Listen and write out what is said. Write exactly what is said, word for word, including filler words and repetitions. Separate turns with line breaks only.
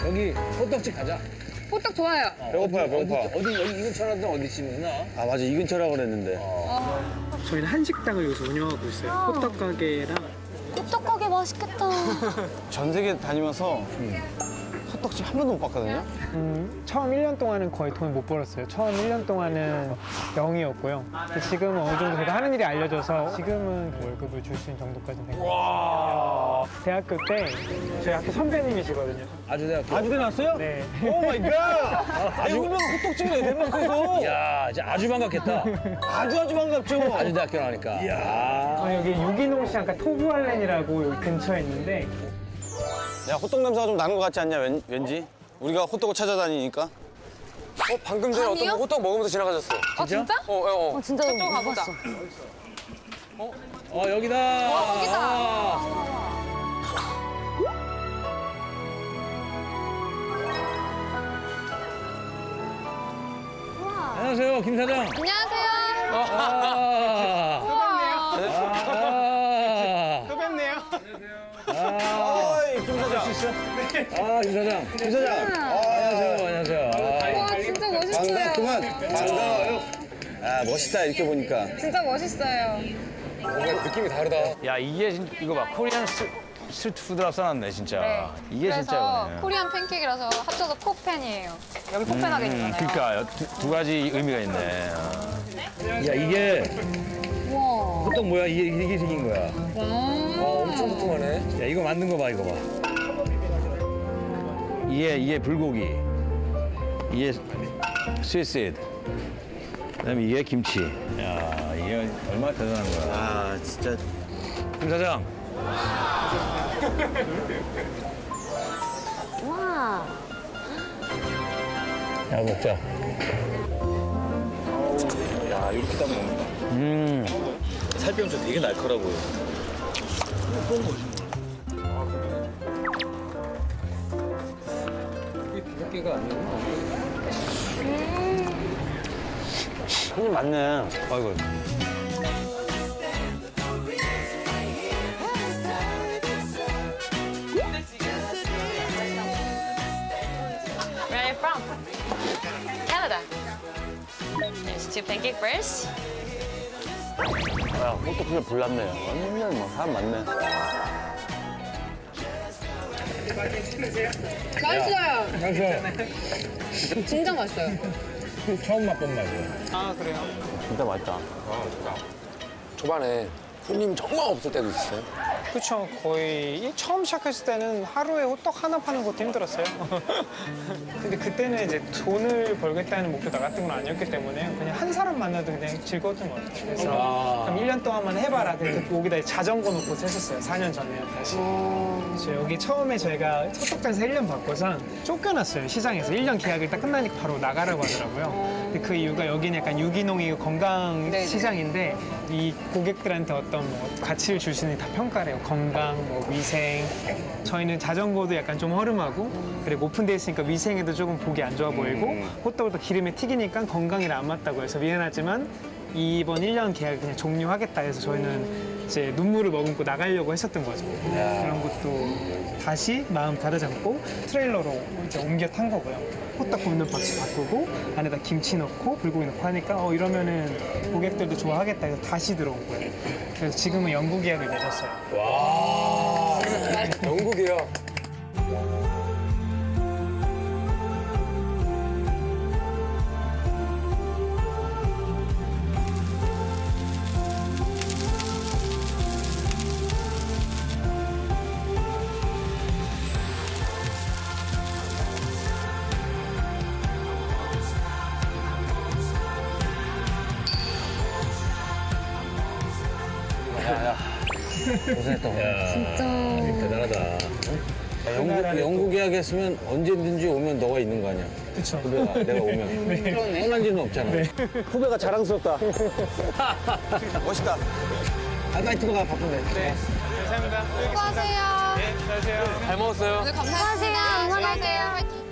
여기 호떡집 가자.
호떡 좋아요.
어,
배고파요, 배고파.
어디, 어디 여기 이 근처라든 어디 집이나?
아, 맞아. 이 근처라고 그랬는데.
저희는 한식당을 여기서 운영하고 있어요. 호떡 가게랑.
호떡 가게 맛있겠다.
전 세계 다니면서 호떡집 한 번도 못 봤거든요?
음, 처음 일 년 동안은 거의 돈 못 벌었어요. 처음 일 년 동안은 영이었고요. 근데 지금은 어느 정도 제가 하는 일이 알려져서 지금은 월급을 줄 수 있는 정도까지는 된 것 같아요. 대학교 때 저희 학교 선배님이시거든요.
아주대학교.
아주대 나왔어요?
네.
오 마이 갓! 아니, 유명 호떡집이네, 대만에서.
이야, 이제 아주 반갑겠다.
아주 아주 반갑죠?
아주대학교 나오니까. 이야.
저 여기 유기농 시장, 그러니까 토부알렌이라고 여기 근처에 있는데
야, 호떡 냄새가 좀 나는 것 같지 않냐, 왠, 왠지? 우리가 호떡을 찾아다니니까.
어, 방금 전에 어떤 분 호떡 먹으면서 지나가셨어.
어, 진짜?
어, 어, 어.
어, 진짜
저쪽
못
가보자.
봤어.
어, 여기다.
어, 여기다.
아. 안녕하세요, 김 사장.
안녕하세요.
아. 아.
또 뵙네요.
아.
어이, 김 사장.
아, 김 사장. 김 사장. 안녕하세요, 안녕하세요. 아.
와, 진짜 멋있어요.
반갑구만. 반가워요. 아, 멋있다, 이렇게 보니까.
진짜 멋있어요.
뭔가 느낌이 다르다.
야 이게 진- 이거 봐 코리안 스, 스트리트 푸드라고 써놨네 진짜.
네.
이게
그래서
진짜 이거네.
코리안 팬케이크라서 합쳐서 코팬이에요. 여기 코펜하게
음,
있잖아요.
그러니까 두, 두 가지 의미가 있네. 어.
야, 이게
우와.
호떡 뭐야? 이게, 이게 생긴 거야.
와.
엄청 두툼하네.
야, 이거 만든 거 봐, 이거 봐.
이게 이게 불고기, 이게 스위스드, 그다음에 이게 김치. 야 이게 얼마나 대단한 거야.
아, 진짜.
김 사장.
와.
야, 먹자.
야, 이렇게 딱 먹는다.
음.
살병도 되게 날카로워요.
비빔기가 아니구나.
손님 많네.
아이고.
Where are you from? Canada. There's two pancake first.
야, 호떡 그냥 불났네. 완전 뭐 사람 많네.
맛있어요.
맛있어.
진짜 맛있어요.
처음 맛본 맛이야.
아, 그래요?
진짜 맛있다.
초반에 손님 정말 없을 때도 있었어요.
그쵸. 거의 이 처음 시작했을 때는 하루에 호떡 하나 파는 것도 힘들었어요. 근데 그때는 이제 돈을 벌겠다는 목표 나갔던 건 아니었기 때문에 그냥 한 사람 만나도 그냥 즐거웠던 것 같아요. 그래서
아.
그럼 일 년 동안만 해봐라. 그래서 여기다 자전거 놓고 했었어요. 사 년 전에 다시. 그래서 여기 처음에 저희가 호떡장에서 일 년 바꿔서 쫓겨났어요. 시장에서. 일 년 계약이 딱 끝나니까 바로 나가라고 하더라고요. 근데 그 이유가 여기는 약간 유기농이고 건강
네네.
시장인데 이 고객들한테 어떤 뭐 가치를 줄 수 있는 다 평가를 해요. 건강, 뭐 위생. 저희는 자전거도 약간 좀 허름하고 그리고 오픈되어 있으니까 위생에도 조금 보기 안 좋아 보이고 호떡을 또 기름에 튀기니까 건강이랑 안 맞다고 해서 미안하지만 이번 일 년 계약을 그냥 종료하겠다 해서 저희는 이제 눈물을 머금고 나가려고 했었던 거죠. 그런 것도 다시 마음 가다잡고 트레일러로 이제 옮겨 탄 거고요. 호떡 굽는 박스 바꾸고 안에다 김치 넣고 불고기 넣고 하니까 어 이러면은 고객들도 좋아하겠다 해서 다시 들어온 거예요. 그래서 지금은 영구 계약을 맺었어요.
와.
영국이야.
고생했다. 야, 진짜. 대단하다. 야, 영국, 영국 예약했으면 언제든지 오면 너가 있는 거 아니야?
그렇죠.
후배가 내가 오면. 떠날 일은 없잖아.
후배가 자랑스럽다. 멋있다.
아, 빨리 들어가, 바쁜데.
네. 감사합니다.
수고하세요.
네, 안녕하세요.
잘 먹었어요.
오늘 감사합니다.
수고하세요. 응원할게요.
화이팅.